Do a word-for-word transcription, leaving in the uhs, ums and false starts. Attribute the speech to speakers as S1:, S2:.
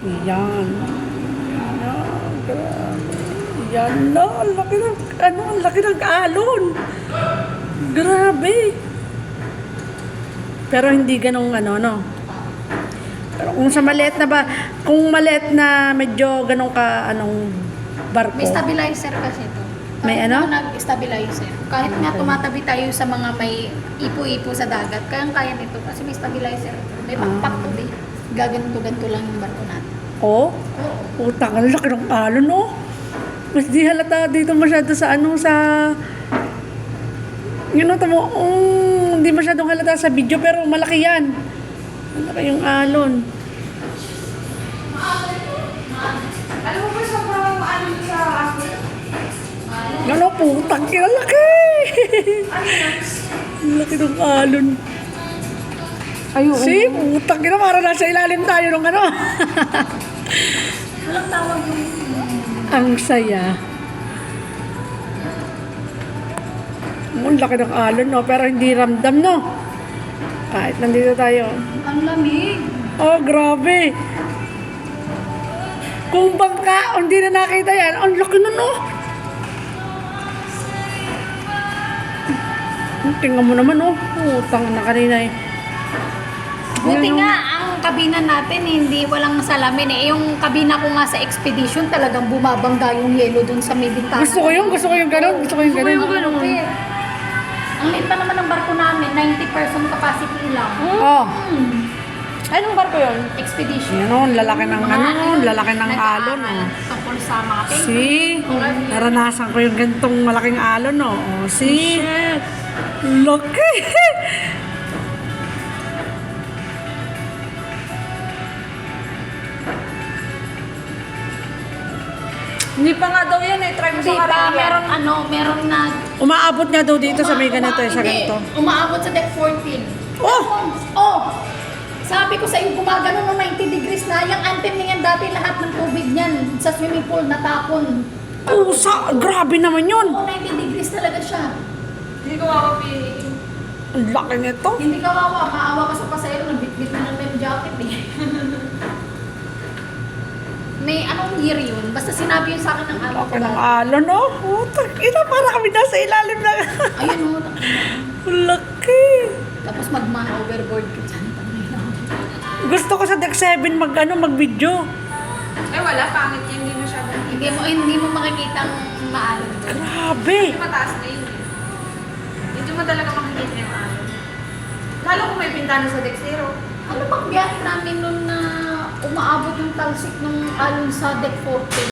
S1: Yan. Yan, grabe. Yan na, ang laki ng, ano, ang laki ng alon. Grabe. Pero hindi ganong ano, no? Pero kung sa maliit na ba, kung maliit na medyo ganong ka, anong barko.
S2: May stabilizer kasi ito.
S1: May
S2: Kahit
S1: ano?
S2: na nag-stabilizer. Kahit nga tumatabi tayo sa mga may ipo-ipo sa dagat, kayang-kaya nito kasi may stabilizer. May
S1: Ah.
S2: pakpak to eh. Gaganto-ganto lang yung barko natin.
S1: Oh? Utang, ang laki ng alon, no? Mas di halata dito masyado sa ano, sa... Yun know, tamo, um, hindi masyadong halata sa video, pero malaki yan. Malaki yung alon.
S3: Alam mo ba sobrang ano sa akin?
S1: Ano, putang, ang laki! Ang laki ng alon.
S3: Ayun.
S1: See, putang, ina, para nasa ilalim tayo ng ano.
S2: Walang tawag yung...
S1: Ang saya. Ang laki ng alon, no? Pero hindi ramdam, no? Kahit nandito tayo.
S2: Ang lamig.
S1: Oh, grabe. Kung bangka, hindi na nakita yan. Ang laki na, no? Tingnan mo naman, oh. Putang na kanina, eh.
S2: Buti
S1: Yan, oh.
S2: nga, ang kabina natin hindi walang salamin eh. Yung kabina ko nga sa expedition talagang bumabangga yung yelo dun sa may bintana.
S1: Gusto ko yung, gusto ko yung gano'n. Gusto ko yung
S2: Gusto ko
S1: gano'n.
S2: yung ganun. eh. Ang liit pa naman ng barko namin, ninety percent capacity lang.
S1: Oh.
S2: Hmm.
S3: Anong barko yun?
S2: Expedition.
S1: Yan, oh. Lalaki ng
S2: Mga
S1: ano,
S2: ayun,
S1: lalaki ng alon,
S2: nag-aaral
S1: oh.
S2: Tungkol sa mga penguin.
S1: See? Naranasan ko yung ganitong malaking alon, no? Oh, see? Laki!
S3: Hindi pa nga daw yan eh. Try mo
S2: Hindi
S3: sa
S2: pa,
S3: Caribbean.
S2: meron ano, meron na...
S1: Umaabot nga daw dito sa may
S2: Uma-
S1: ganito, eh,
S2: uma-
S1: sa
S2: hindi,
S1: ganito.
S2: Umaabot sa deck fourteen.
S1: Oh!
S2: Oh! Sabi ko sa iyo, gumagano ng ninety degrees na. Yung anthem niyan dati, lahat ng tubig niyan sa swimming pool natapon.
S1: Pusa! Grabe naman yun!
S2: Oo, ninety degrees talaga siya.
S3: Hindi ko makapiliin.
S1: Ang laki nito.
S2: Hindi kawawa, maawa ka sa pasahero, nagbitbit na ng life jacket eh. May anong year yun? Basta sinabi yun sa akin ng amo ko.
S1: Laki ng alon, no? Putang ina, para kami nasa ilalim na.
S2: Ayun o.
S1: Ang laki!
S2: Tapos magman overboard ka dyan.
S1: Gusto ko sa deck seven mag, ano, mag-video.
S3: Eh wala, pangit yan. Hindi masyado.
S2: Hindi mo, hindi mo makikita ang maalon doon.
S1: Grabe!
S3: Hindi mataas na yun eh. Hindi mo talaga makikita yung ano. Lalo kung may pintana sa deck zero.
S2: Ano bang biyahe namin nun na umaabot yung talsik ng alon sa deck fourteen?